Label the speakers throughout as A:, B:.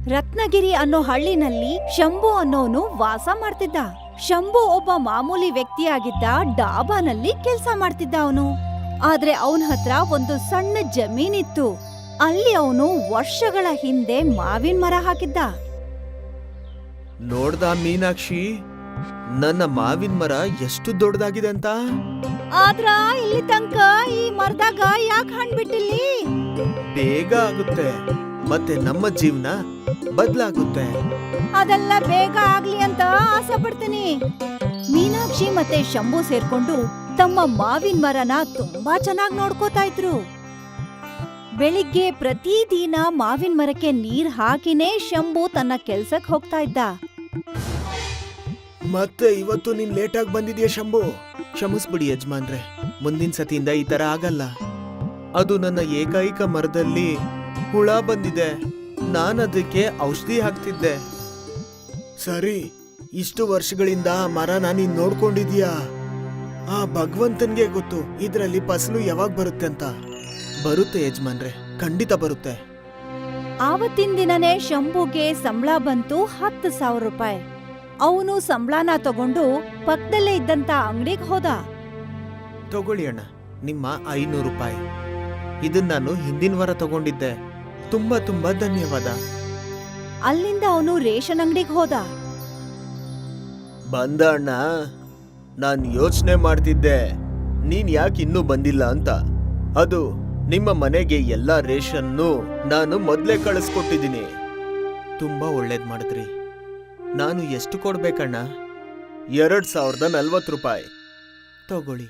A: ರತ್ನಗಿರಿ ಅನ್ನೋ ಹಳ್ಳಿನಲ್ಲಿ ಶಂಭು ಅನ್ನೋನು ವಾಸ ಮಾಡ್ತಿದ್ದ. ಶಂಭು ಒಬ್ಬ ಮಾಮೂಲಿ ವ್ಯಕ್ತಿಯಾಗಿದ್ದ. ಡಾಬಾನಲ್ಲಿ ಕೆಲ್ಸ ಮಾಡ್ತಿದ್ದ ಅವನು. ಆದ್ರೆ ಅವನ ಹತ್ರ ಒಂದು ಸಣ್ಣ ಜಮೀನಿತ್ತು. ಅಲ್ಲಿ ಅವನು ವರ್ಷಗಳ ಹಿಂದೆ ಮಾವಿನ ಮರ ಹಾಕಿದ್ದ.
B: ನೋಡ್ದ ಮೀನಾಕ್ಷಿ, ನನ್ನ ಮಾವಿನ ಮರ ಎಷ್ಟು ದೊಡ್ಡದಾಗಿದೆ ಅಂತ.
A: ಆದ್ರ ಇಲ್ಲಿ ತನಕ ಈ ಮರದಾಗ ಯಾಕೆ ಹಣ್ಣು ಬಿಟ್ಟಿಲ್ಲಿ?
B: ಬೇಗ ಆಗುತ್ತೆ, ಮತ್ತೆ ನಮ್ಮ ಜೀವನ ಬದಲಾಗುತ್ತೆ.
A: ಅದೆಲ್ಲ ಬೇಗ ಆಗ್ಲಿ ಅಂತ ಆಸೆ ಪಡ್ತೀನಿ. ಮೀನಾಕ್ಷಿ ಮತ್ತೆ ಶಂಭು ಸೇರ್ಕೊಂಡು ತಮ್ಮ ಮಾವಿನ ಮರನ ತುಂಬಾ ಚೆನ್ನಾಗಿ ನೋಡ್ಕೋತಾ ಇದ್ರು. ಬೆಳಿಗ್ಗೆ ಪ್ರತಿದಿನ ಮಾವಿನ ಮರಕ್ಕೆ ನೀರ್ ಹಾಕಿನೇ ಶಂಭು ತನ್ನ ಕೆಲ್ಸಕ್ ಹೋಗ್ತಾ ಇದ್ದ.
B: ಮತ್ತೆ ಇವತ್ತು ನೀನ್ ಲೇಟ್ ಆಗಿ ಬಂದಿದ್ಯಾ ಶಂಭು. ಕ್ಷಮಿಸ್ಬಿಡಿ ಯಜಮಾನ್ರೆ, ಮುಂದಿನ ಸತಿಯಿಂದ ಈ ತರ ಆಗಲ್ಲ. ಅದು ನನ್ನ ಏಕೈಕ ಮರದಲ್ಲಿ ಹುಳ ಬಂದಿದೆ, ನಾನದಕ್ಕೆ ಔಷಧಿ ಹಾಕ್ತಿದ್ದೆ. ಸರಿ, ಇಷ್ಟು ವರ್ಷಗಳಿಂದ ಆ ಮರನ ನೀನ್ ನೋಡ್ಕೊಂಡಿದ್ಯಾ? ಆ ಭಗವಂತನ್ಗೆ ಗೊತ್ತು ಇದ್ರಲ್ಲಿ ಫಸಲು ಯಾವಾಗ ಬರುತ್ತೆ ಅಂತ. ಬರುತ್ತೆ ಯಜಮಾನ್ರೆ, ಖಂಡಿತ ಬರುತ್ತೆ.
A: ಆವತ್ತಿನ ದಿನನೇ ಶಂಭುಗೆ ಸಂಬಳ ಬಂತು 10,000 ರೂಪಾಯಿ. ಅವನು ಸಂಬಳನ ತಗೊಂಡು ಪಕ್ಕದಲ್ಲೇ ಇದ್ದಂತ ಅಂಗಡಿಗೆ ಹೋದ.
B: ತಗೊಳ್ಳಿ ಅಣ್ಣ, ನಿಮ್ಮ 500 ರೂಪಾಯಿ. ಇದನ್ನ ನಾನು ಹಿಂದಿನ ವಾರ ತಗೊಂಡಿದ್ದೆ. ತುಂಬಾ ತುಂಬಾ ಧನ್ಯವಾದ.
A: ಅಲ್ಲಿಂದ ಅವನು ರೇಷನ್ ಅಂಗಡಿಗೆ ಹೋದ.
B: ಬಂದ ಅಣ್ಣ, ನಾನ್ ಯೋಚನೆ ಮಾಡ್ತಿದ್ದೆ ನೀನ್ ಯಾಕೆ ಇನ್ನೂ ಬಂದಿಲ್ಲ ಅಂತ. ಅದು ನಿಮ್ಮ ಮನೆಗೆ ಎಲ್ಲಾ ರೇಷನ್ನು ನಾನು ಮೊದ್ಲೇ ಕಳಿಸ್ಕೊಟ್ಟಿದ್ದೀನಿ. ತುಂಬಾ ಒಳ್ಳೇದ್ ಮಾಡಿದ್ರಿ. ನಾನು ಎಷ್ಟು ಕೊಡ್ಬೇಕಣ್ಣ? 2040 ರೂಪಾಯಿ. ತಗೊಳ್ಳಿ.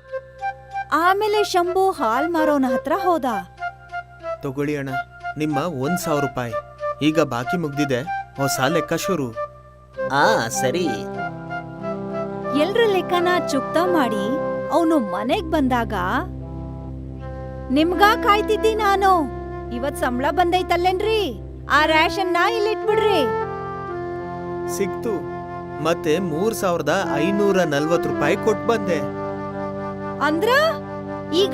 A: ಆಮೇಲೆ ಶಂಭು ಹಾಲ್ ಮಾರೋನ ಹತ್ರ ಹೋದ.
B: ತಗೊಳ್ಳಿ ಅಣ್ಣ, ನಿಮ್ಮ 1,000 ರೂಪಾಯಿ. ಈಗ ಬಾಕಿ ಮುಗ್ದಿದೆ, ಹೊಸ ಲೆಕ್ಕ ಶುರು. ಸರಿ.
A: ಎಲ್ರ ಲೆಕ್ಕನ ಚುಕ್ತಾ ಮಾಡಿ ಅವನು ಮನೆಗ್ ಬಂದಾಗ, ನಿಮ್ಗ ಕಾಯ್ತಿದ್ದಿ ನಾನು. ಇವತ್ ಸಂಬಳ ಬಂದೈತಲ್ಲೇನ್ರಿ? ಆ ರೇಷನ್ನ ಇಲ್ಲಿಟ್ಬಿಡ್ರಿ.
B: ಸಿಕ್ತು. ಮತ್ತೆ 3,540 ರೂಪಾಯಿ ಕೊಟ್ಟು ಬಂದೆ.
A: ಅಂದ್ರ ಈಗ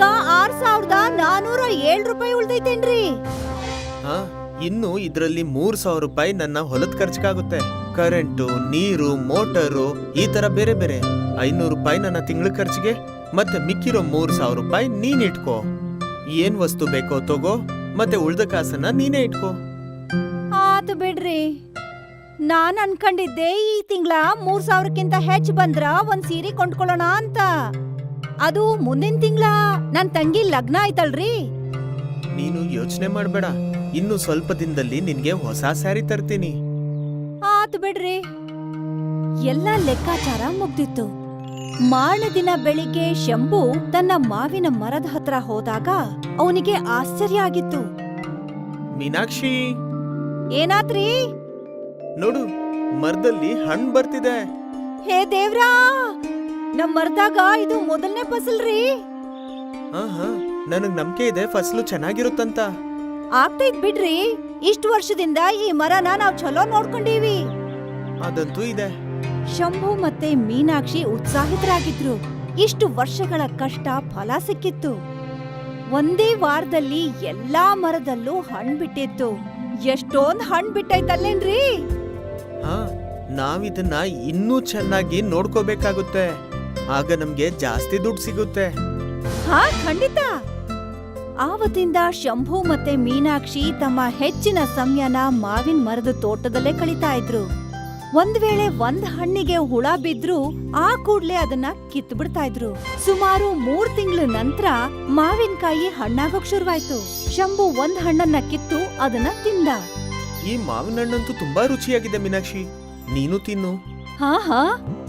A: 6,407 ರೂಪಾಯಿ ಉಳ್ದೈತೇನ್ರಿ?
B: ಹಾ, ಇನ್ನು ಇದ್ರಲ್ಲಿ 3,000 ರೂಪಾಯಿ ನನ್ನ ಹೊಲದ ಖರ್ಚಿಗಾಗುತ್ತೆ. ಕರೆಂಟು, ನೀರು, ಮೋಟರು, ಈ ತರ ಬೇರೆ ಬೇರೆ. 500 ರೂಪಾಯಿ ನನ್ನ ತಿಂಗಳ ಖರ್ಚಿಗೆ. ಮತ್ತೆ ಮಿಕ್ಕಿರೋ 3,000 ರೂಪಾಯಿ ನೀನ್ ಇಟ್ಕೋ. ಏನ್ ವಸ್ತು ಬೇಕೋ ತಗೋ, ಮತ್ತೆ ಉಳ್ದ ಕಾಸನ್ನ ನೀನೇ ಇಟ್ಕೋ.
A: ಆತು ಬಿಡ್ರಿ. ನಾನ್ ಅನ್ಕೊಂಡಿದ್ದೆ ಈ ತಿಂಗಳ 3,000ಕ್ಕಿಂತ ಹೆಚ್ಚು ಬಂದ್ರ ಒಂದ್ ಸೀರೆ ಕೊಂಡ್ಕೊಳ್ಳೋಣ ಅಂತ. ಅದು ಮುಂದಿನ ತಿಂಗಳ ನನ್ ತಂಗಿ ಲಗ್ನ ಆಯ್ತಲ್ರಿ.
B: ನೀನು ಯೋಚನೆ ಮಾಡ್ಬೇಡ, ಇನ್ನು ಸ್ವಲ್ಪ ದಿನದಲ್ಲಿ ನಿನ್ಗೆ ಹೊಸ ಸ್ಯಾರಿ ತರ್ತೀನಿ.
A: ಆತು ಬಿಡ್ರಿ. ಎಲ್ಲ ಲೆಕ್ಕಾಚಾರ ಮುಗ್ದಿತ್ತು. ಮಾರನೇ ದಿನ ಬೆಳಿಗ್ಗೆ ಶಂಭು ತನ್ನ ಮಾವಿನ ಮರದ ಹತ್ರ ಹೋದಾಗ ಅವನಿಗೆ ಆಶ್ಚರ್ಯ ಆಗಿತ್ತು.
B: ಮೀನಾಕ್ಷಿ,
A: ಏನಾತ್ರಿ?
B: ನೋಡು, ಮರದಲ್ಲಿ ಹಣ್ಣು ಬರ್ತಿದೆ.
A: ಹೇ ದೇವ್ರಾ, ನಮ್ ಮರದಾಗ ಇದು ಮೊದಲನೇ ಫಸಲ್ರಿ.
B: ಹಾ, ನನಗ್ ನಂಬಿಕೆ ಇದೆ ಫಸಲು ಚೆನ್ನಾಗಿರುತ್ತಂತ.
A: ಆಗ್ತೈತ್ ಬಿಡ್ರಿ. ಇಷ್ಟು ವರ್ಷದಿಂದ ಈ ಮರನ ನಾವ್ ಚಲೋ ನೋಡ್ಕೊಂಡೀವಿ.
B: ಅದಂತೂ ಇದೆ.
A: ಶಂಭು ಮತ್ತೆ ಮೀನಾಕ್ಷಿ ಉತ್ಸಾಹಿತರಾಗಿದ್ರು. ಇಷ್ಟು ವರ್ಷಗಳ ಕಷ್ಟ ಫಲ ಸಿಕ್ಕಿತ್ತು. ಒಂದೇ ವಾರದಲ್ಲಿ ಎಲ್ಲಾ ಮರದಲ್ಲೂ ಹಣ್ಣು ಬಿಟ್ಟಿತ್ತು. ಎಷ್ಟೊಂದ್ ಹಣ್ಣು ಬಿಟ್ಟೈತಲ್ಲೇನ್ರಿ?
B: ಹಾ, ನಾವಿದನ್ನ ಇನ್ನೂ ಚೆನ್ನಾಗಿ ನೋಡ್ಕೋಬೇಕಾಗುತ್ತೆ. ಆಗ ನಮ್ಗೆ ಜಾಸ್ತಿ ದುಡ್ಡು ಸಿಗುತ್ತೆ.
A: ಹಾ, ಖಂಡಿತ. ಆವತ್ತಿಂದ ಶಂಭು ಮತ್ತೆ ಮೀನಾಕ್ಷಿ ತಮ್ಮ ಹೆಚ್ಚಿನ ಸಮಯನ ಮಾವಿನ ಮರದ ತೋಟದಲ್ಲೇ ಕಳೀತಾ ಇದ್ರು. ಒಂದ್ ವೇಳೆ ಒಂದ್ ಹಣ್ಣಿಗೆ ಹುಳ ಬಿದ್ರು ಆ ಕೂಡ್ಲೆ ಅದನ್ನ ಕಿತ್ತು ಬಿಡ್ತಾ ಇದ್ರು. ಸುಮಾರು 3 ತಿಂಗಳ ನಂತರ ಮಾವಿನಕಾಯಿ ಹಣ್ಣಾಗೋಕ್ ಶುರುವಾಯ್ತು. ಶಂಭು ಒಂದ್ ಹಣ್ಣನ್ನ ಕಿತ್ತು ಅದನ್ನ ತಿಂದ.
B: ಈ ಮಾವಿನ ಹಣ್ಣಂತೂ ತುಂಬಾ ರುಚಿಯಾಗಿದೆ ಮೀನಾಕ್ಷಿ, ನೀನು ತಿನ್ನು.
A: ಹಾ,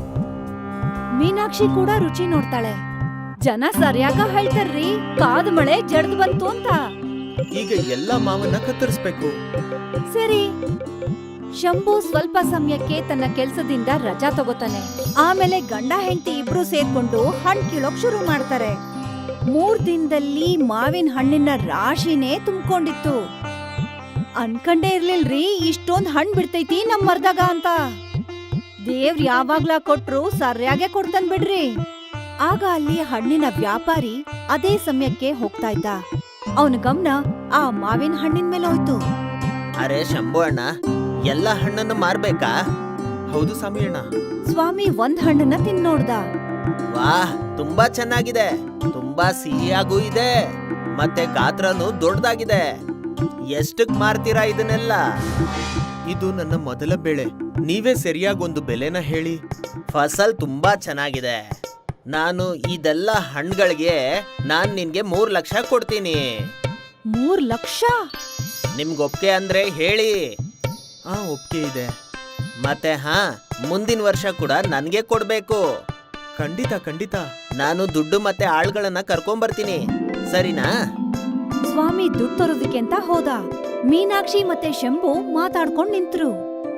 A: ಮೀನಾಕ್ಷಿ ಕೂಡ ರುಚಿ ನೋಡ್ತಾಳೆ. ಜನ ಸರಿಯಾಗ ಹೇಳ್ತಾರ್ರಿ, ಕಾದ ಮಳೆ ಜಡ್ದು ಬಂತು ಅಂತ.
B: ಈಗ ಎಲ್ಲಾ ಮಾವನ್ನ ಕತ್ತರಿಸ್ಬೇಕು.
A: ಸರಿ. ಶಂಭು ಸ್ವಲ್ಪ ಸಮಯಕ್ಕೆ ತನ್ನ ಕೆಲ್ಸದಿಂದ ರಜಾ ತಗೋತಾನೆ. ಆಮೇಲೆ ಗಂಡ ಹೆಂಡತಿ ಇಬ್ರು ಸೇರ್ಕೊಂಡು ಹಣ್ಣು ಕೀಳೋಕ್ ಶುರು ಮಾಡ್ತಾರೆ. 3 ದಿನದಲ್ಲಿ ಮಾವಿನ ಹಣ್ಣಿನ ರಾಶಿನೇ ತುಂಬಿಕೊಂಡಿತ್ತು. ಅನ್ಕಂಡೇ ಇರ್ಲಿಲ್ರಿ ಇಷ್ಟೊಂದ್ ಹಣ್ಣು ಬಿಡ್ತೈತಿ ನಮ್ ಮರ್ದಾಗ ಅಂತ. ದೇವ್ರ ಯಾವಾಗ್ಲ ಕೊಟ್ರು ಸರಿಯಾಗೆ ಕೊಡ್ತಾನ್ ಬಿಡ್ರಿ. ಆಗ ಅಲ್ಲಿ ಹಣ್ಣಿನ ವ್ಯಾಪಾರಿ ಅದೇ ಸಮಯಕ್ಕೆ ಹೋಗ್ತಾ ಇದ್ದ. ಅವನ ಗಮನ ಆ ಮಾವಿನ ಹಣ್ಣಿನ ಮೇಲೆ ಹೋಯ್ತು.
B: ಅರೆ ಶಂಭು ಅಣ್ಣ, ಎಲ್ಲ ಹಣ್ಣನ್ನು ಮಾರ್ಬೇಕಾ? ಹೌದು ಸ್ವಾಮಿ ಅಣ್ಣ.
A: ಸ್ವಾಮಿ ಒಂದ್ ಹಣ್ಣನ್ನ ತಿಂದ್ ನೋಡ್ದ.
B: ವಾಹ್, ತುಂಬಾ ಚೆನ್ನಾಗಿದೆ, ತುಂಬಾ ಸಿಹಿಯಾಗೂ ಇದೆ, ಮತ್ತೆ ಗಾತ್ರನೂ ದೊಡ್ಡದಾಗಿದೆ. ಎಷ್ಟಕ್ ಮಾರ್ತೀರಾ ಇದನ್ನೆಲ್ಲ? ಇದು ನನ್ನ ಮೊದಲ ಬೆಳೆ, ನೀವೇ ಸರಿಯಾಗಿ ಒಂದು ಬೆಲೆನ ಹೇಳಿ. ಫಸಲ್ ತುಂಬಾ ಚೆನ್ನಾಗಿದೆ. ನಾನು ಇದೆಲ್ಲ ಹಣ್ಣುಗಳಿಗೆ ನಿನ್ಗೆ 3 ಲಕ್ಷ ಕೊಡ್ತೀನಿ.
A: 3 ಲಕ್ಷ?
B: ನಿಮ್ಗೆ ಒಪ್ಪಿಗೆ ಅಂದ್ರೆ ಹೇಳಿ. ಒಪ್ಪಿಗೆ ಇದೆ. ಮತ್ತೆ ಮುಂದಿನ ವರ್ಷ ಕೂಡ ನನ್ಗೆ ಕೊಡ್ಬೇಕು. ಖಂಡಿತ ಖಂಡಿತ. ನಾನು ದುಡ್ಡು ಮತ್ತೆ ಆಳ್ಗಳನ್ನ ಕರ್ಕೊಂಬರ್ತೀನಿ, ಸರಿನಾ?
A: ಸ್ವಾಮಿ ದುಡ್ಡು ತರೋದಕ್ಕೆ ಅಂತ ಹೋದ. ಮೀನಾಕ್ಷಿ ಮತ್ತೆ ಶಂಭು ಮಾತಾಡ್ಕೊಂಡ್ ನಿಂತ್ರು.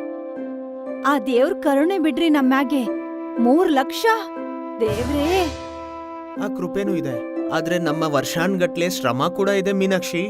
A: ಆ ದೇವ್ರ ಕರುಣೆ ಬಿಡ್ರಿ ನಮ್ಮ್ಯಾಗೆ. 3 ಲಕ್ಷ ದೇವ್ರೇ.
B: ಆ ಕೃಪೆನೂ ಇದೆ, ಆದ್ರೆ ನಮ್ಮ ವರ್ಷಾನ್ಗಟ್ಲೆ ಶ್ರಮ ಕೂಡ ಇದೆ ಮೀನಾಕ್ಷಿ.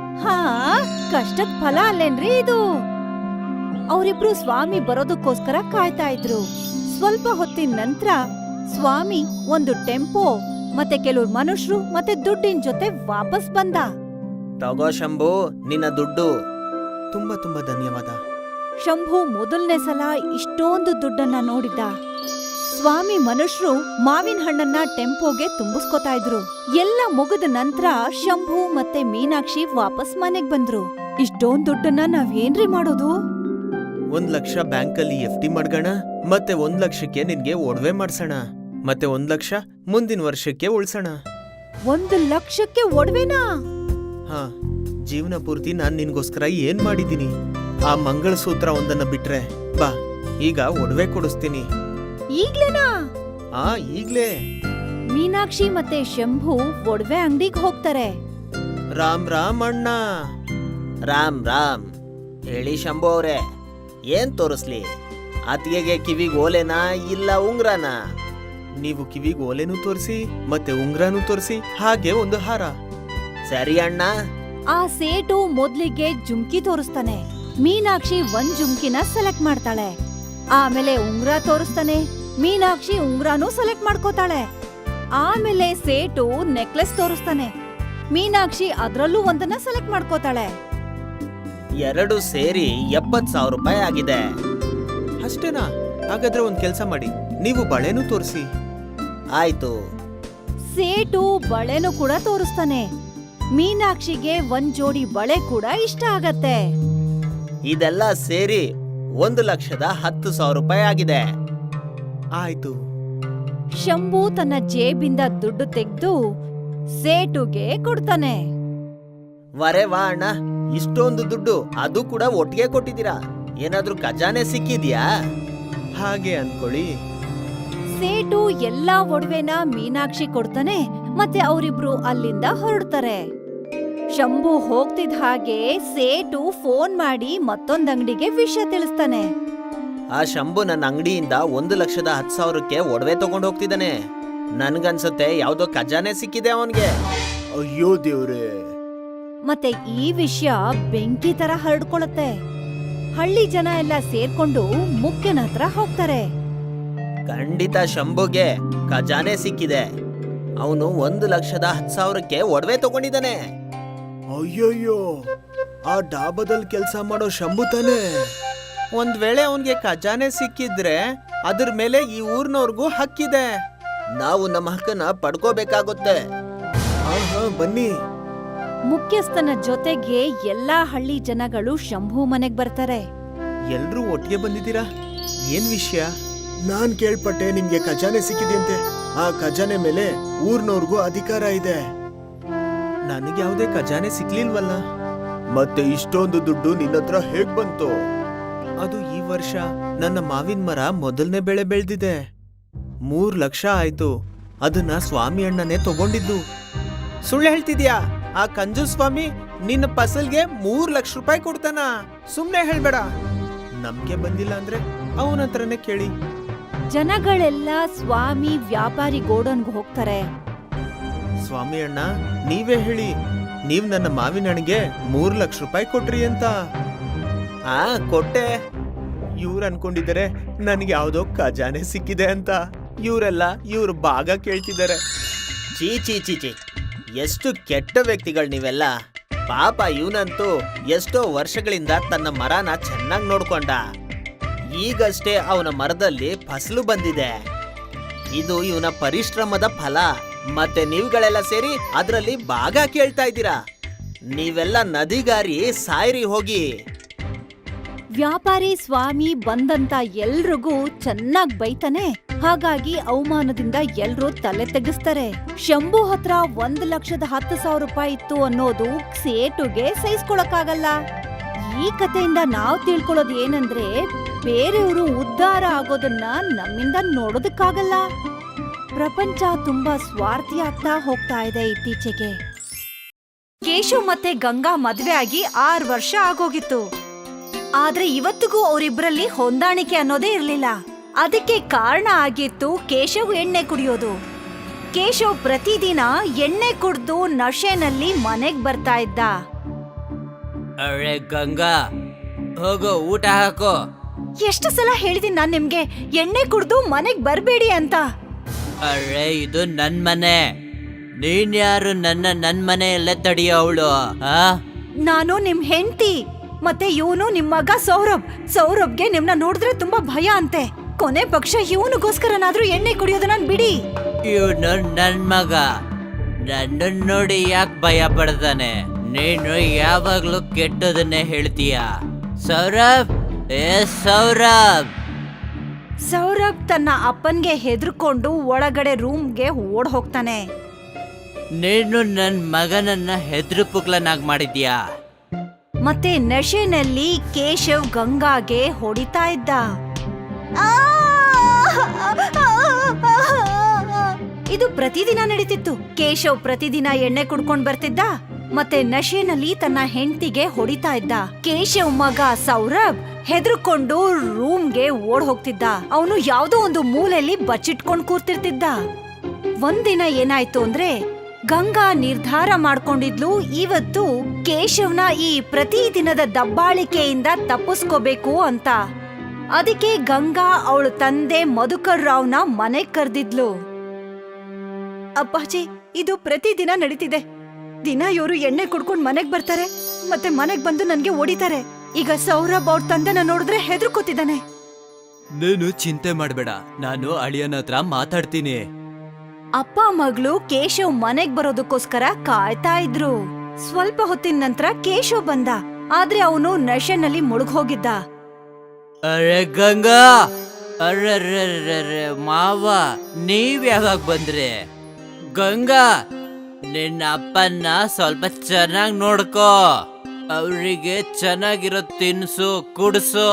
A: ಕಷ್ಟದ ಫಲ ಅಲ್ಲೇನ್ರಿ ಇದು? ಅವರಿಬ್ರು ಸ್ವಾಮಿ ಬರೋದಕ್ಕೋಸ್ಕರ ಕಾಯ್ತಾ ಇದ್ರು. ಸ್ವಲ್ಪ ಹೊತ್ತಿನ ನಂತರ ಸ್ವಾಮಿ ಒಂದು ಟೆಂಪೋ ಮತ್ತೆ ಕೆಲವ್ರು ಮನುಷ್ಯರು ಮತ್ತೆ ದುಡ್ಡಿನ ಜೊತೆ ವಾಪಸ್ ಬಂದ.
B: ತಗೋ ಶಂಭು, ನಿನ್ನ ದುಡ್ಡು. ತುಂಬಾ ತುಂಬಾ ಧನ್ಯವಾದ.
A: ಶಂಭು ಮೊದಲನೇ ಸಲ ಇಷ್ಟೊಂದು ದುಡ್ಡನ್ನ ನೋಡಿದ್ದ. ಸ್ವಾಮಿ ಮನುಷ್ಯರು ಮಾವಿನ ಹಣ್ಣನ್ನ ಟೆಂಪೋಗೆ ತುಂಬಿಸ್ಕೊತಾ ಇದ್ರು. ಎಲ್ಲ ಮುಗಿದ ನಂತರ ಶಂಭು ಮತ್ತೆ ಮೀನಾಕ್ಷಿ ವಾಪಸ್ ಮನೆಗ್ ಬಂದ್ರು. ಇಷ್ಟೊಂದ್ ದುಡ್ಡನ್ನ ನಾವೇನ್ರಿ ಮಾಡೋದು?
B: 1 ಲಕ್ಷ ಬ್ಯಾಂಕಲ್ಲಿ FD ಮಾಡ್ಗೋಣ, ಮತ್ತೆ 1 ಲಕ್ಷಕ್ಕೆ ನಿನ್ಗೆ ಒಡವೆ ಮಾಡ್ಸೋಣ, ಮತ್ತೆ 1 ಲಕ್ಷ ಮುಂದಿನ ವರ್ಷಕ್ಕೆ ಉಳ್ಸೋಣ.
A: 1 ಲಕ್ಷಕ್ಕೆ ಒಡವೆನಾ?
B: ಜೀವನ ಪೂರ್ತಿ ನಾನ್ ನಿನ್ಗೋಸ್ಕರ ಏನ್ ಮಾಡಿದ್ದೀನಿ? ಆ ಮಂಗಳಸೂತ್ರ ಒಂದನ್ನ ಬಿಟ್ರೆ ಬಾ, ಈಗ ಒಡವೆ ಕೊಡಿಸ್ತೀನಿ.
A: ಈಗ್ಲೇನಾ?
B: ಈಗ್ಲೇ.
A: ಮೀನಾಕ್ಷಿ ಮತ್ತೆ ಶಂಭು ಒಡವೆ ಅಂಗಡಿಗೆ ಹೋಗ್ತಾರೆ.
B: ರಾಮ್ ರಾಮ್ ಅಣ್ಣ. ರಾಮ್ ರಾಮ್. ಹೇಳಿ ಶಂಭು ಅವ್ರೆ, ಏನ್ ತೋರಿಸ್ಲಿ? ಅತ್ತಿಗೆಗೆ ಕಿವಿಗ್ ಓಲೆನಾ ಇಲ್ಲ ಉಂಗ್ರನಾ? ನೀವು ಕಿವಿಗ್ ಓಲೆನೂ ತೋರಿಸಿ ಮತ್ತೆ ಉಂಗ್ರನೂ ತೋರಿಸಿ, ಹಾಗೆ ಒಂದು ಹಾರ. ಸರಿ ಅಣ್ಣ.
A: ಆ ಸೇಟು ಮೊದ್ಲಿಗೆ ಜುಮ್ಕಿ ತೋರಿಸ್ತಾನೆ. ಮೀನಾಕ್ಷಿ ಒಂದ್ ಜುಮ್ಕಿನ ಸೆಲೆಕ್ಟ್ ಮಾಡ್ತಾಳೆ. ಆಮೇಲೆ ಉಂಗ್ರ ತೋರಿಸ್ತಾನೆ. ಮೀನಾಕ್ಷಿ ಉಂಗ್ರಾನು ಸೆಲೆಕ್ಟ್ ಮಾಡ್ಕೋತಾಳೆ. ಆಮೇಲೆ ಸೇಟು ನೆಕ್ಲೆಸ್ ತೋರಿಸ್ತಾನೆ. ಮೀನಾಕ್ಷಿ ಅದ್ರಲ್ಲೂ ಒಂದನ್ನ ಸೆಲೆಕ್ಟ್ ಮಾಡ್ಕೋತಾಳೆ.
B: 2 ಸೇರಿ 70,000 ರೂಪಾಯಿ ಆಗಿದೆ. ಅಷ್ಟೇನಾ? ಹಾಗಾದ್ರೆ ಒಂದ್ ಕೆಲ್ಸ ಮಾಡಿ, ನೀವು ಬಳೆನೂ ತೋರಿಸಿ. ಆಯ್ತು. ಸೇಟು
A: ಬಳೆನೂ ಕೂಡ ತೋರಿಸ್ತಾನೆ. ಮೀನಾಕ್ಷಿಗೆ ಒಂದ್ ಜೋಡಿ ಬಳೆ ಕೂಡ ಇಷ್ಟ ಆಗತ್ತೆ.
B: ಇದೆಲ್ಲ ಸೇರಿ 1,10,000 ರೂಪಾಯಿ ಆಗಿದೆ. ಆಯ್ತು.
A: ಶಂಭು ತನ್ನ ಜೇಬಿಂದ ದುಡ್ಡು ತೆಗೆದು ಸೇಟುಗೆ ಕೊಡ್ತಾನೆ.
B: ವರೆ ವಾ ಅಣ್ಣ, ಇಷ್ಟೊಂದು ದುಡ್ಡು, ಅದು ಕೂಡ ಒಟ್ಟಿಗೆ ಕೊಟ್ಟಿದ್ದೀರಾ. ಏನಾದ್ರೂ ಖಜಾನೆ ಸಿಕ್ಕಿದ್ಯಾ? ಹಾಗೆ ಅನ್ಕೊಳ್ಳಿ.
A: ಸೇಟು ಎಲ್ಲಾ ಒಡವೆನ ಮೀನಾಕ್ಷಿ ಕೊಡ್ತಾನೆ. ಮತ್ತೆ ಅವರಿಬ್ರು ಅಲ್ಲಿಂದ ಹೊರಡ್ತಾರೆ. ಶಂಭು ಹೋಗ್ತಿದ್ ಹಾಗೆ ಸೇಟು ಫೋನ್ ಮಾಡಿ ಮತ್ತೊಂದ್ ಅಂಗಡಿಗೆ ವಿಷಯ ತಿಳಿಸ್ತಾನೆ.
B: ಆ ಶಂಭು ನನ್ನ ಅಂಗಡಿಯಿಂದ 1,10,000ಕ್ಕೆ ಒಡವೆ ತಗೊಂಡು ಹೋಗ್ತಿದ್ದಾನೆ. ನನ್ಗನ್ಸುತ್ತೆ ಯಾವ್ದೋ ಖಜಾನೆ ಸಿಕ್ಕಿದೆ ಅವನ್ಗೆ. ಅಯ್ಯೋ ದೇವ್ರೆ.
A: ಮತ್ತೆ ಈ ವಿಷಯ ಬೆಂಕಿ ತರ ಹರಡ್ಕೊಳತ್ತೆ. ಹಳ್ಳಿ ಜನ ಎಲ್ಲ ಸೇರ್ಕೊಂಡು ಮುಖ್ಯನ ಹತ್ರ ಹೋಗ್ತಾರೆ.
B: ಖಂಡಿತ ಶಂಭುಗೆ ಖಜಾನೆ ಸಿಕ್ಕಿದೆ. ಅವನು 1,10,000ಕ್ಕೆ ಒಡವೆ ತಗೊಂಡಿದ್ದಾನೆ. ಅಯ್ಯಯ್ಯೋ, ಆ ಡಾಬಾದಲ್ಲಿ ಕೆಲಸ ಮಾಡೋ ಶಂಭು ತಾನೆ. ಒಂದ್ ವೇಳೆ ಅವನ್ಗೆ ಖಜಾನೆ ಸಿಕ್ಕಿದ್ರೆ ಅದ್ರ ಮೇಲೆ ಈ ಊರ್ನವ್ರಿಗೂ ಹಕ್ಕಿದೆ. ನಾವು ನಮ್ಮ ಹಕ್ಕನ್ನ ಪಡ್ಕೋಬೇಕಾಗುತ್ತೆ. ಬನ್ನಿ.
A: ಮುಖ್ಯಸ್ಥನ ಜೊತೆಗೆ ಎಲ್ಲಾ ಹಳ್ಳಿ ಜನಗಳು ಶಂಭು ಮನೆಗ್ ಬರ್ತಾರೆ.
B: ಎಲ್ರೂ ಒಟ್ಟಿಗೆ ಬಂದಿದ್ದೀರಾ? ಏನ್ ವಿಷಯ? ನಾನ್ ಕೇಳ್ಪಟ್ಟೆ ನಿಮ್ಗೆ ಖಜಾನೆ ಸಿಕ್ಕಿದೆಯಂತೆ. ಆ ಖಜಾನೆ ಮೇಲೆ ಊರ್ನವ್ರಿಗೂ ಅಧಿಕಾರ ಇದೆ. ನನಗೆ ಯಾವುದೇ ಖಜಾನೆ ಸಿಕ್ಲಿಲ್ವಲ್ಲ. ಮತ್ತೆ ಇಷ್ಟೊಂದು ದುಡ್ಡು ನಿನ್ನತ್ರ ಹೇಗ್ ಬಂತು? ಅದು ಈ ವರ್ಷ ನನ್ನ ಮಾವಿನ ಮರ ಮೊದಲನೇ ಬೆಳೆ ಬೆಳೆದಿದೆ. 3 ಲಕ್ಷ ಆಯ್ತು. ಅದನ್ನ ಸ್ವಾಮಿ ಅಣ್ಣನೇ ತಗೊಂಡಿದ್ದು. ಸುಳ್ಳು ಹೇಳ್ತಿದ್ಯಾ? ಆ ಕಂಜು ಸ್ವಾಮಿ ನಿನ್ನ ಫಸಲ್ಗೆ 3 ಲಕ್ಷ ರೂಪಾಯಿ ಕೊಡ್ತಾನ? ಸುಮ್ನೆ ಹೇಳ್ಬೇಡ. ನಮ್ಗೆ ಬಂದಿಲ್ಲ ಅಂದ್ರೆ ಅವನ ಹತ್ರನೇ ಕೇಳಿ.
A: ಜನಗಳೆಲ್ಲ ಸ್ವಾಮಿ ವ್ಯಾಪಾರಿ ಗೋಡನ್ಗೆ ಹೋಗ್ತಾರೆ.
B: ಸ್ವಾಮಿ ಅಣ್ಣ, ನೀವೇ ಹೇಳಿ, ನೀವ್ ನನ್ನ ಮಾವಿನ ಹಣ್ಣಿಗೆ 3 ಲಕ್ಷ ರೂಪಾಯಿ ಕೊಟ್ರಿ ಅಂತ. ಕೊಟ್ಟೆ. ಇವ್ರು ಅನ್ಕೊಂಡಿದ್ದಾರೆ ನನ್ಗೆ ಯಾವ್ದೋ ಖಜಾನೆ ಸಿಕ್ಕಿದೆ ಅಂತ. ಇವರೆಲ್ಲ ಇವ್ರ ಭಾಗ ಕೇಳ್ತಿದ್ದಾರೆ. ಚೀ ಚೀ ಚೀ ಚೀ, ಎಷ್ಟು ಕೆಟ್ಟ ವ್ಯಕ್ತಿಗಳು ನೀವೆಲ್ಲ. ಪಾಪ ಇವನಂತೂ ಎಷ್ಟೋ ವರ್ಷಗಳಿಂದ ತನ್ನ ಮರನ ಚೆನ್ನಾಗಿ ನೋಡ್ಕೊಂಡ. ಈಗಷ್ಟೇ ಅವನ ಮರದಲ್ಲಿ ಫಸಲು ಬಂದಿದೆ. ಇದು ಇವನ ಪರಿಶ್ರಮದ ಫಲ. ಮತ್ತೆ ನೀವುಗಳೆಲ್ಲ ಸೇರಿ ಅದರಲ್ಲಿ ಭಾಗ ಕೇಳ್ತಾ ಇದ್ದೀರಾ. ನೀವೆಲ್ಲ ನದಿಗಾರಿ ಸಾಯ್ರಿ ಹೋಗಿ.
A: ವ್ಯಾಪಾರಿ ಸ್ವಾಮಿ ಬಂದಂತ ಎಲ್ರಿಗೂ ಚೆನ್ನಾಗ್ ಬೈತಾನೆ. ಹಾಗಾಗಿ ಅವಮಾನದಿಂದ ಎಲ್ರೂ ತಲೆ ತೆಗಿಸ್ತಾರೆ. ಶಂಭು ಹತ್ರ 1,10,000 ರೂಪಾಯಿ ಇತ್ತು ಅನ್ನೋದು ಸೇಟುಗೆ ಸಹಿಸ್ಕೊಳಕ್ಕಾಗಲ್ಲ. ಈ ಕಥೆಯಿಂದ ನಾವ್ ತಿಳ್ಕೊಳ್ಳೋದು ಏನಂದ್ರೆ, ಬೇರೆಯವರು ಉದ್ಧಾರ ಆಗೋದನ್ನ ನಮ್ಮಿಂದ ನೋಡೋದಕ್ಕಾಗಲ್ಲ. ಪ್ರಪಂಚ ತುಂಬಾ ಸ್ವಾರ್ಥಿ ಆಗ್ತಾ ಹೋಗ್ತಾ ಇದೆ ಇತ್ತೀಚೆಗೆ. ಕೇಶವ್ ಮತ್ತೆ ಗಂಗಾ ಮದ್ವೆ ಆಗಿ 6 ವರ್ಷ ಆಗೋಗಿತ್ತು. ಆದ್ರೆ ಇವತ್ತಿಗೂ ಅವರಿಬ್ರಲ್ಲಿ ಹೊಂದಾಣಿಕೆ ಅನ್ನೋದೇ ಇರ್ಲಿಲ್ಲ. ಅದಕ್ಕೆ ಕಾರಣ ಆಗಿತ್ತು ಕೇಶವ್ ಎಣ್ಣೆ ಕುಡಿಯೋದು. ಕೇಶವ್ ಪ್ರತಿದಿನ ಎಣ್ಣೆ ಕುಡ್ದು ನಶೆನಲ್ಲಿ ಮನೆಗ್ ಬರ್ತಾ ಇದ್ದ.
C: ಅರೆ ಗಂಗಾ, ಹೋಗೋ ಊಟ ಹಾಕೋ.
A: ಎಷ್ಟು ಸಲ ಹೇಳಿದೀನಿ ನಾನ್ ನಿಮ್ಗೆ ಎಣ್ಣೆ ಕುಡ್ದು ಮನೆಗ್ ಬರ್ಬೇಡಿ ಅಂತ.
C: ಅರೆ ಇದು ನನ್ ಮನೆ, ನೀನ್ ಯಾರು ನನ್ ಮನೆಯಲ್ಲೇ ತಡಿಯೋವಳು?
A: ನಾನು ನಿಮ್ ಹೆಂಡತಿ, ಮತ್ತೆ ಇವನು ನಿಮ್ ಮಗ ಸೌರಭ್ಗೆ ನಿಮ್ನ ನೋಡಿದ್ರೆ ತುಂಬಾ ಭಯ ಅಂತೆ. ಕೊನೆ ಪಕ್ಷ ಇವನಿಗೋಸ್ಕರನಾದ್ರೂ ಎಣ್ಣೆ ಕುಡಿಯೋದನ್ನ ಬಿಡಿ.
C: ಇವನು ನನ್ ಮಗ, ನನ್ನ ನೋಡಿ ಯಾಕೆ ಭಯ ಪಡ್ತಾನೆ? ನೀನು ಯಾವಾಗ್ಲೂ ಕೆಟ್ಟದನ್ನೇ ಹೇಳ್ತೀಯ. ಸೌರಭ್,
A: ಸೌರಭ್ ತನ್ನ ಅಪ್ಪನ್ಗೆ ಹೆದರ್ಕೊಂಡು ಒಳಗಡೆ ರೂಮ್ಗೆ ಓಡ್ ಹೋಗ್ತಾನೆ.
C: ನೀನು ನನ್ ಮಗನನ್ನ ಹೆದ್ರು ಪುಕ್ಲನಾಗ್ ಮಾಡಿದ್ಯಾ?
A: ಮತ್ತೆ ನಶೆನಲ್ಲಿ ಕೇಶವ್ ಗಂಗಾಗೆ ಹೊಡಿತಾ ಇದ್ದ. ಇದು ಪ್ರತಿದಿನ ನಡೀತಿತ್ತು. ಕೇಶವ್ ಪ್ರತಿದಿನ ಎಣ್ಣೆ ಕುಡ್ಕೊಂಡ್ ಬರ್ತಿದ್ದ, ಮತ್ತೆ ನಶೆನಲ್ಲಿ ತನ್ನ ಹೆಂಡತಿಗೆ ಹೊಡಿತಾ ಇದ್ದ. ಕೇಶವ್ ಮಗ ಸೌರಭ್ ಹೆದರ್ಕೊಂಡು ರೂಮ್ಗೆ ಓಡ್ ಹೋಗ್ತಿದ್ದ. ಅವನು ಯಾವ್ದೋ ಒಂದು ಮೂಲೆಯಲ್ಲಿ ಬಚ್ಚಿಟ್ಕೊಂಡ್ ಕೂರ್ತಿರ್ತಿದ್ದ. ಒಂದಿನ ಏನಾಯ್ತು ಅಂದ್ರೆ, ಗಂಗಾ ನಿರ್ಧಾರ ಮಾಡ್ಕೊಂಡಿದ್ಲು ಇವತ್ತು ಕೇಶವ್ನ ಈ ಪ್ರತಿದಿನದ ದಬ್ಬಾಳಿಕೆಯಿಂದ ತಪ್ಪಿಸ್ಕೋಬೇಕು ಅಂತ. ಅದಕ್ಕೆ ಗಂಗಾ ಅವಳ ತಂದೆ ಮಧುಕರ್ ರಾವ್ನ ಮನೆಗ್ ಕರೆದಿದ್ಲು. ಅಪ್ಪಾಜಿ, ಇದು ಪ್ರತಿದಿನ ನಡೀತಿದೆ. ದಿನ ಇವರು ಎಣ್ಣೆ ಕುಡ್ಕೊಂಡ್ ಮನೆಗ್ ಬರ್ತಾರೆ, ಮತ್ತೆ ಮನೆಗ್ ಬಂದು ನನ್ಗೆ ಹೊಡಿತಾರೆ. ಈಗ ಸೌರಭ್ ಅವ್ರ ತಂದೆನ ನೋಡಿದ್ರೆ ಹೆದರ್ಕೋತಿದ್ದಾನೆ.
C: ನೀನು ಚಿಂತೆ ಮಾಡ್ಬೇಡ, ನಾನು ಅಳಿಯನ ಹತ್ರ ಮಾತಾಡ್ತೀನಿ.
A: ಅಪ್ಪ ಮಗಳು ಕೇಶವ್ ಮನೆಗ್ ಬರೋದಕ್ಕೋಸ್ಕರ ಕಾಯ್ತಾ ಇದ್ರು. ಸ್ವಲ್ಪ ಹೊತ್ತಿನ ನಂತರ ಕೇಶವ್ ಬಂದ, ಆದ್ರೆ ಅವನು ನಶೆನಲ್ಲಿ ಮುಳುಗ್ ಹೋಗಿದ್ದ.
C: ಅರೆ ಗಂಗಾ, ಅರ್ರೆ ಮಾವ, ನೀವ್ ಯಾವಾಗ ಬಂದ್ರಿ? ಗಂಗಾ, ನಿನ್ನ ಅಪ್ಪನ್ನ ಸ್ವಲ್ಪ ಚೆನ್ನಾಗ್ ನೋಡ್ಕೋ. ಅವ್ರಿಗೆ ಚೆನ್ನಾಗಿರೋ ತಿನ್ಸು, ಕುಡ್ಸು.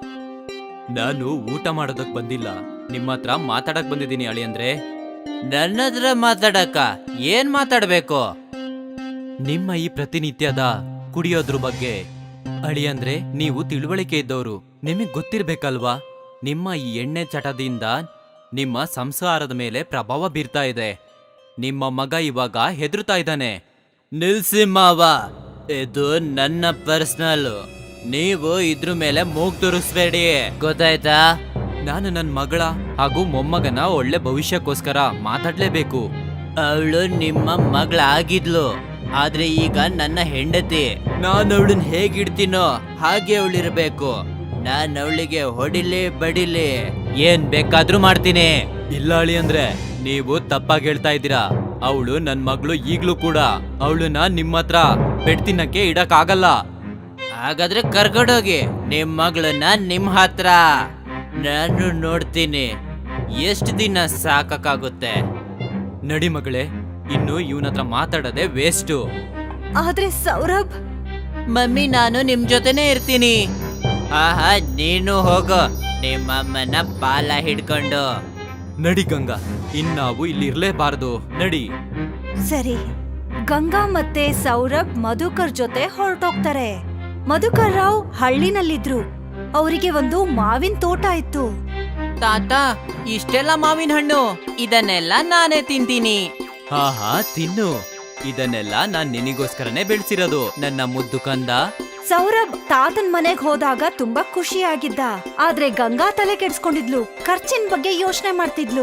C: ನಾನು ಊಟ ಮಾಡೋದಕ್ ಬಂದಿಲ್ಲ, ನಿಮ್ಮ ಹತ್ರ ಮಾತಾಡಕ್ ಬಂದಿದ್ದೀನಿ ಅಳಿಯಂದ್ರೆ. ನನ್ನ ಹತ್ರ ಮಾತಾಡಕ ಏನ್ ಮಾತಾಡ್ಬೇಕು? ನಿಮ್ಮ ಈ ಪ್ರತಿನಿತ್ಯದ ಕುಡಿಯೋದ್ರ ಬಗ್ಗೆ ಅಳಿಯಂದ್ರೆ, ನೀವು ತಿಳುವಳಿಕೆ ಇದ್ದವರು, ನಿಮಗ್ ಗೊತ್ತಿರ್ಬೇಕಲ್ವಾ? ನಿಮ್ಮ ಈ ಎಣ್ಣೆ ಚಟದಿಂದ ನಿಮ್ಮ ಸಂಸಾರದ ಮೇಲೆ ಪ್ರಭಾವ ಬೀರ್ತಾ ಇದೆ. ನಿಮ್ಮ ಮಗ ಇವಾಗ ಹೆದರ್ತಾ ಇದ್ದಾನೆ. ನಿಲ್ಸಿ ಮಾವ, ಇದು ನನ್ನ ಪರ್ಸನಲ್. ನೀವು ಇದ್ರ ಮೇಲೆ ಮೂಗ್ ತುರಿಸ್ಬೇಡಿ, ಗೊತ್ತಾಯ್ತಾ? ನಾನು ನನ್ನ ಮಗಳ ಹಾಗೂ ಮೊಮ್ಮಗನ ಒಳ್ಳೆ ಭವಿಷ್ಯಕ್ಕೋಸ್ಕರ ಮಾತಾಡ್ಲೇಬೇಕು. ಅವಳು ನಿಮ್ಮ ಮಗಳಾಗಿದ್ಲು, ಆದ್ರೆ ಈಗ ನನ್ನ ಹೆಂಡತಿ. ನಾನು ಅವಳನ್ನ ಹೇಗಿಡ್ತೀನೋ ಹಾಗೆ ಅವಳಿರ್ಬೇಕು. ನಾನು ಅವಳಿಗೆ ಹೊಡಿಲಿ ಬಡಿಲಿ ಏನ್ ಬೇಕಾದ್ರೂ ಮಾಡ್ತೀನಿ. ಇಲ್ಲ ಅಳಿ ಅಂದ್ರೆ, ನೀವು ತಪ್ಪಾಗಿ ಹೇಳ್ತಾ ಇದ್ದೀರಾ. ಅವಳು ನನ್ ಮಗಳು ಈಗ್ಲೂ ಕೂಡ. ಅವಳನ್ನ ನಿಮ್ಮ ಹತ್ರ ಬೆಡ್ತಿನಕ್ಕೆ ಇಡಕ್ ಆಗಲ್ಲ. ಹಾಗಾದ್ರೆ ಕರ್ಕೊಂಡೋಗಿ ನಿಮ್ ಮಗಳನ್ನ ನಿಮ್ ಹತ್ರ. ನಾನು ನೋಡ್ತೀನಿ ಎಷ್ಟು ದಿನ ಸಾಕಾಗುತ್ತೆ. ನಡಿ ಮಗಳೇ, ಇನ್ನು ಇವನ ಹತ್ರ ಮಾತಾಡೋದೆ ವೇಸ್ಟು.
A: ಆದ್ರೆ ಸೌರಭ್,
C: ಮಮ್ಮಿ ನಾನು ನಿಮ್ ಜೊತೆನೆ ಇರ್ತೀನಿ. ಆಹಾ, ನೀನು ಹೋಗೋ ನಿಮ್ಮಮ್ಮನ ಬಾಲ ಹಿಡ್ಕೊಂಡು. ನಡಿ ಗಂಗಾ, ಇನ್ನಾವು ಇಲ್ಲಿ ಇರ್ಲೇಬಾರ್ದು, ನಡಿ.
A: ಸರಿ. ಗಂಗಾ ಮತ್ತೆ ಸೌರಭ್ ಮಧುಕರ್ ಜೊತೆ ಹೊರಟೋಗ್ತಾರೆ. ಮಧುಕರ್ ರಾವ್ ಹಳ್ಳಿನಲ್ಲಿದ್ರು. ಅವರಿಗೆ ಒಂದು ಮಾವಿನ ತೋಟ ಇತ್ತು.
C: ತಾತ, ಇಷ್ಟೆಲ್ಲ ಮಾವಿನ ಹಣ್ಣು, ಇದನ್ನೆಲ್ಲ ನಾನೇ ತಿಂತೀನಿ. ಹಾ ತಿನ್ನು, ಇದನ್ನೆಲ್ಲ ನಾನ್ ನಿನಗೋಸ್ಕರನೇ ಬೆಳೆಸಿರೋದು ನನ್ನ ಮುದ್ದು ಕಂದ.
A: ಸೌರಭ್ ತಾತನ್ ಮನೆಗ್ ಹೋದಾಗ ತುಂಬಾ ಖುಷಿಯಾಗಿದ್ದ. ಆದ್ರೆ ಗಂಗಾ ತಲೆ ಕೆಡ್ಸ್ಕೊಂಡಿದ್ಲು, ಖರ್ಚಿನ ಬಗ್ಗೆ ಯೋಚನೆ ಮಾಡ್ತಿದ್ಲು.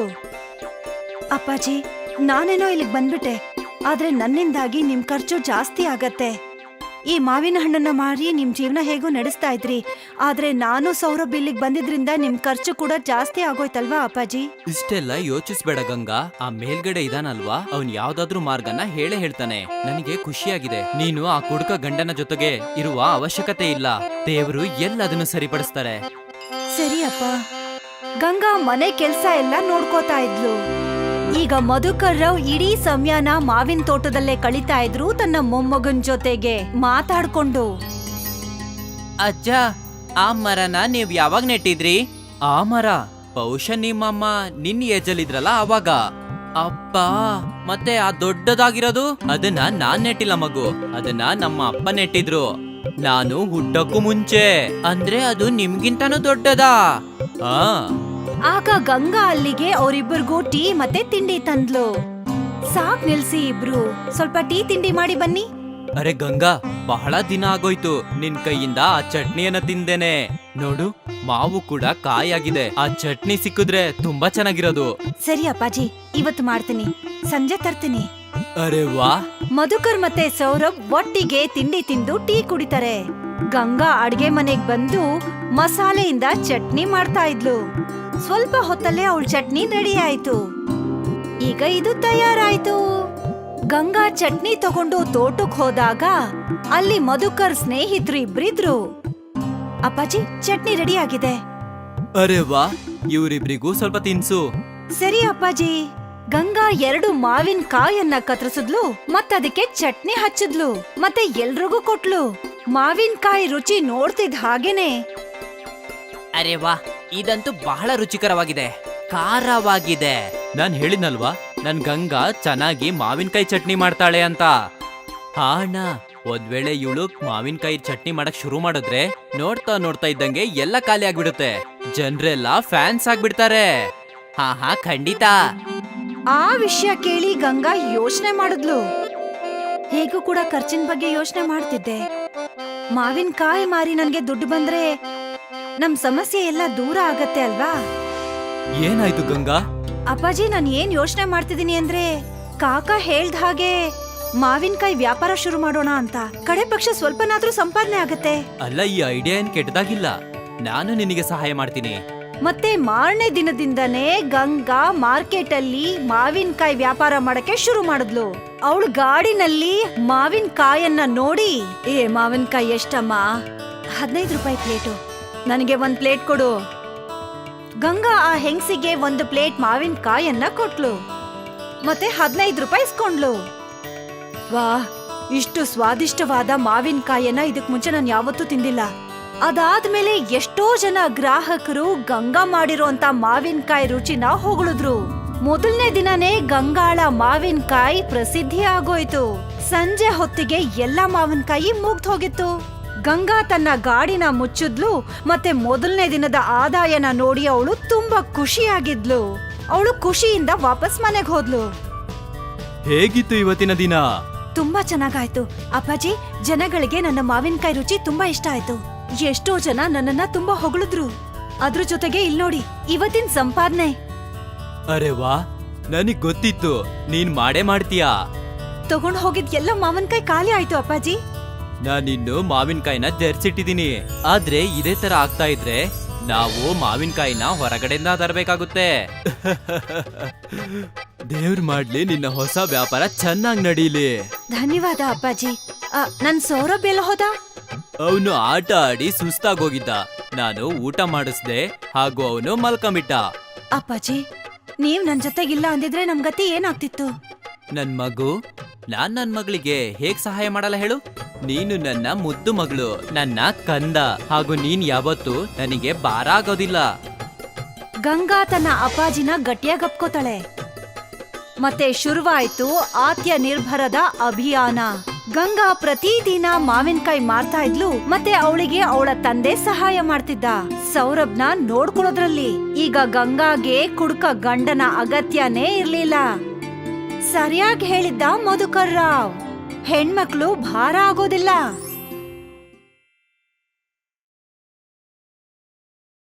A: ಅಪ್ಪಾಜಿ, ನಾನೇನೋ ಇಲ್ಲಿಗ್ ಬಂದ್ಬಿಟ್ಟೆ, ಆದ್ರೆ ನನ್ನಿಂದಾಗಿ ನಿಮ್ ಖರ್ಚು ಜಾಸ್ತಿ ಆಗತ್ತೆ. ಈ ಮಾವಿನ ಹಣ್ಣನ್ನ ಮಾರಿ ನಿಮ್ ಜೀವನ ಹೇಗೂ ನಡೆಸ್ತಾ ಇದ್ರಿ. ಆದ್ರೆ ನಾನು ಸೌರಭ್ ಇಲ್ಲಿಗ್ ಬಂದಿದ್ರಿಂದ ನಿಮ್ ಖರ್ಚು ಕೂಡ ಜಾಸ್ತಿ ಆಗೋಯ್ತಲ್ವಾ ಅಪ್ಪಾಜಿ?
C: ಇಷ್ಟೆಲ್ಲ ಯೋಚಿಸ್ಬೇಡ ಗಂಗಾ. ಆ ಮೇಲ್ಗಡೆ ಇದಾನಲ್ವಾ, ಅವ್ನ್ ಯಾವ್ದಾದ್ರೂ ಮಾರ್ಗನ ಹೇಳೇ ಹೇಳ್ತಾನೆ. ನನಗೆ ಖುಷಿಯಾಗಿದೆ. ನೀನು ಆ ಕುಡುಕ ಗಂಡನ ಜೊತೆಗೆ ಇರುವ ಅವಶ್ಯಕತೆ ಇಲ್ಲ. ದೇವ್ರು ಎಲ್ಲದನ್ನು ಸರಿಪಡಿಸ್ತಾರೆ.
A: ಸರಿ ಅಪ್ಪ. ಗಂಗಾ ಮನೆ ಕೆಲ್ಸ ಎಲ್ಲ ನೋಡ್ಕೋತಾ ಇದ್ಲು. ಈಗ ಮಧುಕರ್ ರಾವ್ ಇಡೀ ಸಮಯನ ಮಾವಿನ ತೋಟದಲ್ಲೇ ಕಳೀತಾ ಇದ್ರು, ತನ್ನ ಮೊಮ್ಮಗನ್ ಜೊತೆಗೆ ಮಾತಾಡ್ಕೊಂಡು.
C: ಅಜ್ಜ, ಆ ಮರನ ನೀವ್ ಯಾವಾಗ ನೆಟ್ಟಿದ್ರಿ? ಆ ಮರ ಬಹುಶಃ ನಿಮ್ಮಮ್ಮ ನಿನ್ ಏಜಲ್ಲಿದ್ರಲ್ಲ ಅವಾಗ. ಅಪ್ಪ, ಮತ್ತೆ ಆ ದೊಡ್ಡದಾಗಿರೋದು ಅದನ್ನ ನಾನ್ ನೆಟ್ಟಿಲ್ಲ ಮಗು, ಅದನ್ನ ನಮ್ಮ ಅಪ್ಪ ನೆಟ್ಟಿದ್ರು. ನಾನು ಹುಟ್ಟಕ್ಕೂ ಮುಂಚೆ. ಅಂದ್ರೆ ಅದು ನಿಮ್ಗಿಂತನೂ ದೊಡ್ಡದಾ? ಆ
A: ಆಗ ಗಂಗಾ ಅಲ್ಲಿಗೆ ಅವರಿಬ್ಬರಿಗೂ ಟೀ ಮತ್ತೆ ತಿಂಡಿ ತಂದ್ಲು. ಸಾಕ್ ನಿಲ್ಸಿ ಇಬ್ರು, ಸ್ವಲ್ಪ ಟೀ ತಿಂಡಿ ಮಾಡಿ ಬನ್ನಿ.
C: ಅರೆ ಗಂಗಾ, ಬಹಳ ದಿನ ಆಗೋಯ್ತು ನಿನ್ ಕೈಯಿಂದ ಆ ಚಟ್ನಿಯನ್ನ ತಿಂದೇನೆ. ನೋಡು, ಮಾವು ಕೂಡ ಕಾಯಾಗಿದೆ. ಆ ಚಟ್ನಿ ಸಿಕ್ಕಿದ್ರೆ ತುಂಬಾ ಚೆನ್ನಾಗಿರೋದು.
A: ಸರಿ ಅಪ್ಪಾಜಿ, ಇವತ್ತು ಮಾಡ್ತೀನಿ, ಸಂಜೆ ತರ್ತೀನಿ.
C: ಅರೆ ವಾ.
A: ಮಧುಕರ್ ಮತ್ತೆ ಸೌರಭ್ ಒಟ್ಟಿಗೆ ತಿಂಡಿ ತಿಂದು ಟೀ ಕುಡಿತಾರೆ. ಗಂಗಾ ಅಡ್ಗೆ ಮನೆಗ್ ಬಂದು ಮಸಾಲೆಯಿಂದ ಚಟ್ನಿ ಮಾಡ್ತಾ ಇದ್ಲು. ಸ್ವಲ್ಪ ಹೊತ್ತಲ್ಲೇ ಅವಳ ಚಟ್ನಿ ರೆಡಿ ಆಯ್ತು. ಈಗ ಇದು ತಯಾರಾಯ್ತು. ಗಂಗಾ ಚಟ್ನಿ ತಗೊಂಡು ತೋಟಕ್ ಹೋದಾಗ ಅಲ್ಲಿ ಮಧುಕರ್ ಸ್ನೇಹಿತರು ಇಬ್ರಿದ್ರು. ಅಪ್ಪಾಜಿ, ಚಟ್ನಿ ರೆಡಿ ಆಗಿದೆ.
C: ಅರೆ ವಾ, ಇವ್ರಿಬ್ರಿಗೂ ಸ್ವಲ್ಪ ತಿನ್ಸು.
A: ಸರಿ ಅಪ್ಪಾಜಿ. ಗಂಗಾ 2 ಮಾವಿನ ಕಾಯನ್ನ ಕತ್ತರಿಸಿದ್ಲು, ಮತ್ತದಕ್ಕೆ ಚಟ್ನಿ ಹಚ್ಚಿದ್ಲು, ಮತ್ತೆ ಎಲ್ರಿಗೂ ಕೊಟ್ಲು. ಮಾವಿನಕಾಯಿ ರುಚಿ ನೋಡ್ತಿದ್ ಹಾಗೇನೆ.
C: ಅರೆ ವಾ, ಇದಂತೂ ಬಹಳ ರುಚಿಕರವಾಗಿದೆ, ಖಾರವಾಗಿದೆ. ನಾನ್ ಹೇಳಿದ್ನಲ್ವಾ, ನನ್ ಗಂಗಾ ಚೆನ್ನಾಗಿ ಮಾವಿನಕಾಯಿ ಚಟ್ನಿ ಮಾಡ್ತಾಳೆ ಅಂತ. ಹಾ ಅಣ್ಣ, ಒಂದ್ ವೇಳೆ ಇವಳು ಮಾವಿನಕಾಯಿ ಚಟ್ನಿ ಮಾಡಕ್ ಶುರು ಮಾಡಿದ್ರೆ ನೋಡ್ತಾ ನೋಡ್ತಾ ಇದ್ದಂಗೆ ಎಲ್ಲ ಖಾಲಿ ಆಗ್ಬಿಡುತ್ತೆ. ಜನ್ರೆಲ್ಲ ಫ್ಯಾನ್ಸ್ ಆಗ್ಬಿಡ್ತಾರೆ. ಹಾ ಹಾ, ಖಂಡಿತ.
A: ಆ ವಿಷಯ ಕೇಳಿ ಗಂಗಾ ಯೋಚನೆ ಮಾಡಿದ್ಲು. ಹೇಗೂ ಕೂಡ ಖರ್ಚಿನ ಬಗ್ಗೆ ಯೋಚನೆ ಮಾಡ್ತಿದ್ದೆ. ಮಾವಿನಕಾಯಿ ಮಾರಿ ನನ್ಗೆ ದುಡ್ಡು ಬಂದ್ರೆ ನಮ್ ಸಮಸ್ಯೆ ಎಲ್ಲ ದೂರ ಆಗತ್ತೆ ಅಲ್ವಾ?
C: ಏನಾಯ್ತು ಗಂಗಾ?
A: ಅಪ್ಪಾಜಿ, ನಾನ್ ಏನ್ ಯೋಚನೆ ಮಾಡ್ತಿದೀನಿ ಅಂದ್ರೆ, ಕಾಕಾ ಹೇಳ್ದ ಹಾಗೆ ಮಾವಿನಕಾಯಿ ವ್ಯಾಪಾರ ಶುರು ಮಾಡೋಣ ಅಂತ. ಕಡೆ ಪಕ್ಷ ಸ್ವಲ್ಪನಾದ್ರೂ ಸಂಪಾದನೆ ಆಗತ್ತೆ.
C: ಅಲ್ಲ, ಈ ಐಡಿಯಾ ಏನ್ ಕೆಟ್ಟದಾಗಿಲ್ಲ. ನಾನು ನಿನಗೆ ಸಹಾಯ ಮಾಡ್ತೀನಿ.
A: ಮತ್ತೆ ಮಾರನೇ ದಿನದಿಂದನೇ ಗಂಗಾ ಮಾರ್ಕೆಟ್ ಅಲ್ಲಿ ಮಾವಿನಕಾಯಿ ವ್ಯಾಪಾರ ಮಾಡಕ್ಕೆ ಶುರು ಮಾಡಿದ್ಲು. ಅವಳು ಗಾಡಿನಲ್ಲಿ ಮಾವಿನಕಾಯನ್ನ ನೋಡಿ, ಏ ಮಾವಿನಕಾಯಿ ಎಷ್ಟಮ್ಮ? 15 ರೂಪಾಯಿ ಪ್ಲೇಟು. ನನಗೆ 1 ಪ್ಲೇಟ್ ಕೊಡು. ಗಂಗಾ ಆ ಹೆಂಗ್ಸಿಗೆ 1 ಪ್ಲೇಟ್ ಮಾವಿನಕಾಯನ್ನ ಕೊಟ್ಲು, ಮತ್ತೆ 15 ರೂಪಾಯಿ ಇಸ್ಕೊಂಡ್ಲು. ವಾ, ಇಷ್ಟು ಸ್ವಾದಿಷ್ಟವಾದ ಮಾವಿನಕಾಯನ್ನ ಇದಕ್ ಮುಂಚೆ ನಾನು ಯಾವತ್ತೂ ತಿಂದಿಲ್ಲ. ಅದಾದ್ಮೇಲೆ ಎಷ್ಟೋ ಜನ ಗ್ರಾಹಕರು ಗಂಗಾ ಮಾಡಿರೋಂತ ಮಾವಿನಕಾಯಿ ರುಚಿನ ಹೊಗಳಿದ್ರು. ಮೊದಲನೇ ದಿನನೇ ಗಂಗಾಳ ಮಾವಿನಕಾಯಿ ಪ್ರಸಿದ್ಧಿ ಆಗೋಯ್ತು. ಸಂಜೆ ಹೊತ್ತಿಗೆ ಎಲ್ಲಾ ಮಾವಿನಕಾಯಿ ಮುಗ್ದು ಹೋಗಿತ್ತು. ಗಂಗಾ ತನ್ನ ಗಾಡಿನ ಮುಚ್ಚಿದ್ಲು, ಮತ್ತೆ ಮೊದಲನೇ ದಿನದ ಆದಾಯನ ನೋಡಿ ಅವಳು ತುಂಬಾ ಖುಷಿಯಾಗಿದ್ಲು. ಅವಳು ಖುಷಿಯಿಂದ ವಾಪಸ್ ಮನೆಗೆ ಹೋದ್ಲು.
C: ಹೇಗಿತ್ತು ಇವತ್ತಿನ ದಿನ?
A: ತುಂಬಾ ಚೆನ್ನಾಗಾಯ್ತು ಅಪ್ಪಾಜಿ. ಜನಗಳಿಗೆ ನನ್ನ ಮಾವಿನಕಾಯಿ ರುಚಿ ತುಂಬಾ ಇಷ್ಟ ಆಯ್ತು. ಎಷ್ಟೋ ಜನ ನನ್ನನ್ನ ತುಂಬಾ ಹೊಗಳಿದ್ರು. ಅದ್ರ ಜೊತೆಗೆ ಇಲ್ ನೋಡಿ, ಇವತ್ತಿನ ಸಂಪಾದನೆ.
C: ಅರೆ ವಾ, ನನಗ್ ಗೊತ್ತಿತ್ತು ನೀನ್ ಮಾಡೇ ಮಾಡ್ತೀಯಾ.
A: ತಗೊಂಡ್ ಹೋಗಿದ್ ಎಲ್ಲ ಮಾವಿನಕಾಯಿ ಖಾಲಿ ಆಯ್ತು ಅಪ್ಪಾಜಿ.
C: ನಾನಿನ್ನು ಮಾವಿನಕಾಯಿನ ಜರ್ಸಿಟ್ಟಿದೀನಿ. ಆದ್ರೆ ಇದೇ ತರ ಆಗ್ತಾ ಇದ್ರೆ ನಾವು ಮಾವಿನಕಾಯಿನ ಹೊರಗಡೆಯಿಂದ ತರಬೇಕಾಗುತ್ತೆ. ದೇವ್ರ ಮಾಡ್ಲಿ, ನಿನ್ನ ಹೊಸ ವ್ಯಾಪಾರ ಚೆನ್ನಾಗ್ ನಡೀಲಿ.
A: ಧನ್ಯವಾದ ಅಪ್ಪಾಜಿ. ನನ್ ಸೌರಭ್ ಎಲ್ಲ ಹೋದ?
C: ಅವನು ಆಟ ಆಡಿ ಸುಸ್ತಾಗೋಗಿದ್ದ. ನಾನು ಊಟ ಮಾಡಿಸ್ದೆ, ಹಾಗೂ ಅವನು ಮಲ್ಕೊಂಬಿಟ್ಟ.
A: ಅಪ್ಪಾಜಿ, ನೀವ್ ನನ್ ಜೊತೆಗಿಲ್ಲ ಅಂದಿದ್ರೆ ನಮ್ ಗತಿ ಏನಾಗ್ತಿತ್ತು?
C: ನನ್ ಮಗು, ನನ್ ಮಗಳಿಗೆ ಹೇಗ್ ಸಹಾಯ ಮಾಡಲ್ಲ ಹೇಳು? ನೀನು ನನ್ನ ಮುದ್ದು ಮಗಳು, ನನ್ನ ಕಂದ, ಹಾಗೂ ನೀನ್ ಯಾವತ್ತೂ ನನಗೆ ಭಾರ ಆಗೋದಿಲ್ಲ.
A: ಗಂಗಾ ತನ್ನ ಅಪ್ಪಾಜಿನ ಗಟ್ಟಿಯಾಗಿ ಅಪ್ಕೋತಾಳೆ. ಮತ್ತೆ ಶುರುವಾಯ್ತು ಆತ್ಯ ನಿರ್ಭರದ ಅಭಿಯಾನ. ಗಂಗಾ ಪ್ರತಿದಿನ ಮಾವಿನಕಾಯಿ ಮಾರ್ತಾ ಇದ್ಲು, ಮತ್ತೆ ಅವಳಿಗೆ ಅವಳ ತಂದೆ ಸಹಾಯ ಮಾಡ್ತಿದ್ದ, ಸೌರಭ್ನ ನೋಡ್ಕೊಳ್ಳೋದ್ರಲ್ಲಿ. ಈಗ ಗಂಗಾಗೆ ಕುಡುಕ ಗಂಡನ ಅಗತ್ಯನೇ ಇರ್ಲಿಲ್ಲ. ಸರಿಯಾಗಿ ಹೇಳಿದ್ದ ಮಧುಕರ್ ರಾವ್, ಹೆಣ್ಮಕ್ಳು ಭಾರ ಆಗೋದಿಲ್ಲ.